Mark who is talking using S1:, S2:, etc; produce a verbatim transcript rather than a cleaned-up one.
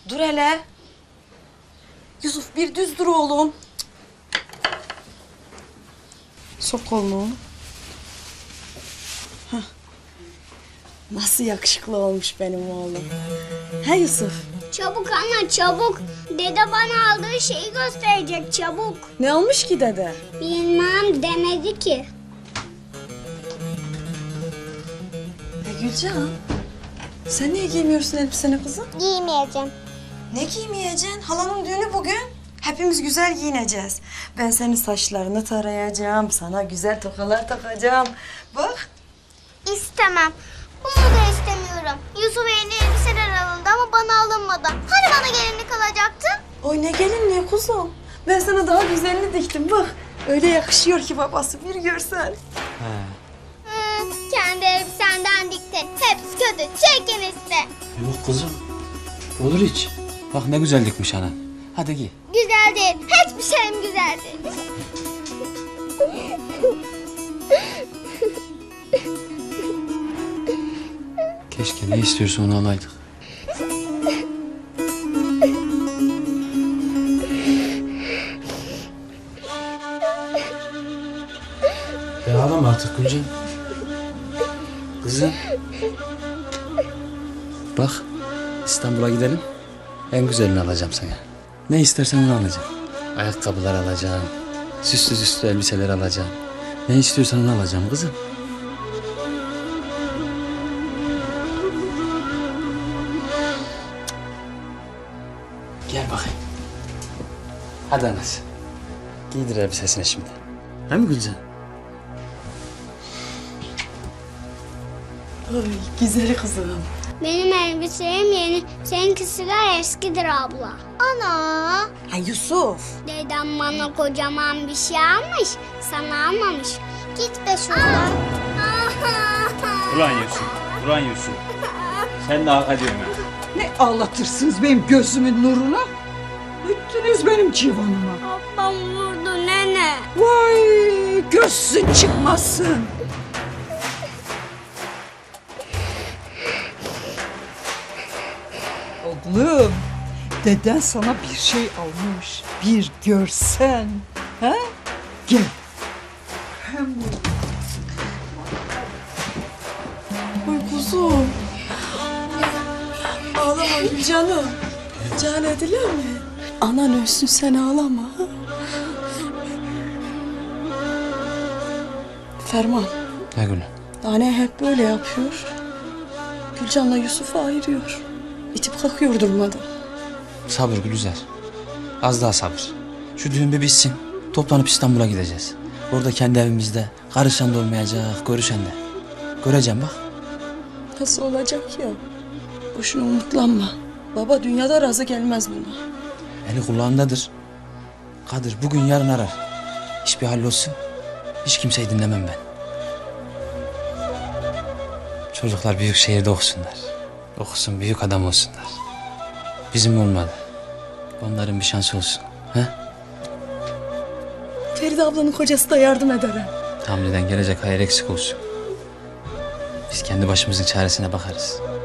S1: Dur hele. Yusuf bir düz dur oğlum. Sok kolunu. Hah. Nasıl yakışıklı olmuş benim oğlum. He Yusuf?
S2: Çabuk anne çabuk. Dede bana aldığı şeyi gösterecek çabuk.
S1: Ne olmuş ki dede?
S2: Bilmem demedi ki.
S1: E Gülcan, sen niye giymiyorsun elbiseni kızım?
S2: Giymeyeceğim.
S1: Ne giymeyeceksin? Halanın düğünü bugün. Hepimiz güzel giyineceğiz. Ben senin saçlarını tarayacağım, sana güzel tokalar takacağım. Bak.
S2: İstemem. Bunu da istemiyorum. Yusuf'a yeni elbiseler alındı ama bana alınmadı. Hani bana gelinlik alacaktın?
S1: Oy ne gelinliği kuzum. Ben sana daha güzelini diktim bak. Öyle yakışıyor ki babası bir görsen.
S3: He.
S2: Hı, kendi elbisenden diktin. Hepsi kötü. Çekin işte.
S3: Yok kızım. Olur hiç. Bak ne güzel dikmiş ana. Hadi giy.
S2: Güzel değil. Hiçbir şeyim güzel değil.
S3: Keşke ne istiyorsa onu alaydık. Ya ağlama artık Gülcan. Kızım. Bak İstanbul'a gidelim. En güzelini alacağım sana. Ne istersen onu alacağım. Ayakkabılar alacağım. Süslü süslü elbiseler alacağım. Ne istiyorsan onu alacağım kızım. Gel bakayım. Hadi anası. Giydir elbisesini şimdi. He mi Gülcan?
S1: Oy güzel kızım.
S2: Benim elbiselerim yeni. Seninkisiler eskidir abla. Ana.
S1: Ha Yusuf.
S2: Dedem bana kocaman bir şey almış. Sana almamış. Git be şuradan.
S4: Ulan Yusuf, ulan Yusuf. Sen de hak ediyorsun ha.
S5: Ne ağlatırsınız benim gözümün nuruna? Üttünüz benim civanıma.
S2: Babam vurdu nene.
S5: Vay gözsün çıkmasın. Oğlum, deden sana bir şey almış. Bir görsen. Ha? Gel. Hem
S1: Oy kuzum. Ağlama Gülcanım. Can edilir mi? Anan ölsün sen ağlama. ha? Ferman.
S3: Ne Gülüm?
S1: Anne hep böyle yapıyor. Gülcan'la Yusuf'u ayırıyor. İtip kalkıyor durmadan.
S3: Sabır Gülüzer. Az daha sabır. Şu düğün bir bitsin. Toplanıp İstanbul'a gideceğiz. Orada kendi evimizde karışan da olmayacak, görüşen de. Göreceğim bak.
S1: Nasıl olacak ya? Boşuna umutlanma. Baba dünyada razı gelmez buna.
S3: Eli kulağındadır. Kadir bugün yarın arar. İş bir hallolsun. Hiç kimseyi dinlemem ben. Çocuklar büyük şehirde okusunlar. Okusun, büyük adam olsunlar. Bizim olmadı. Onların bir şansı olsun. He?
S1: Feride ablanın kocası da yardım eder. ha.
S3: Hamleden gelecek hayır eksik olsun. Biz kendi başımızın çaresine bakarız.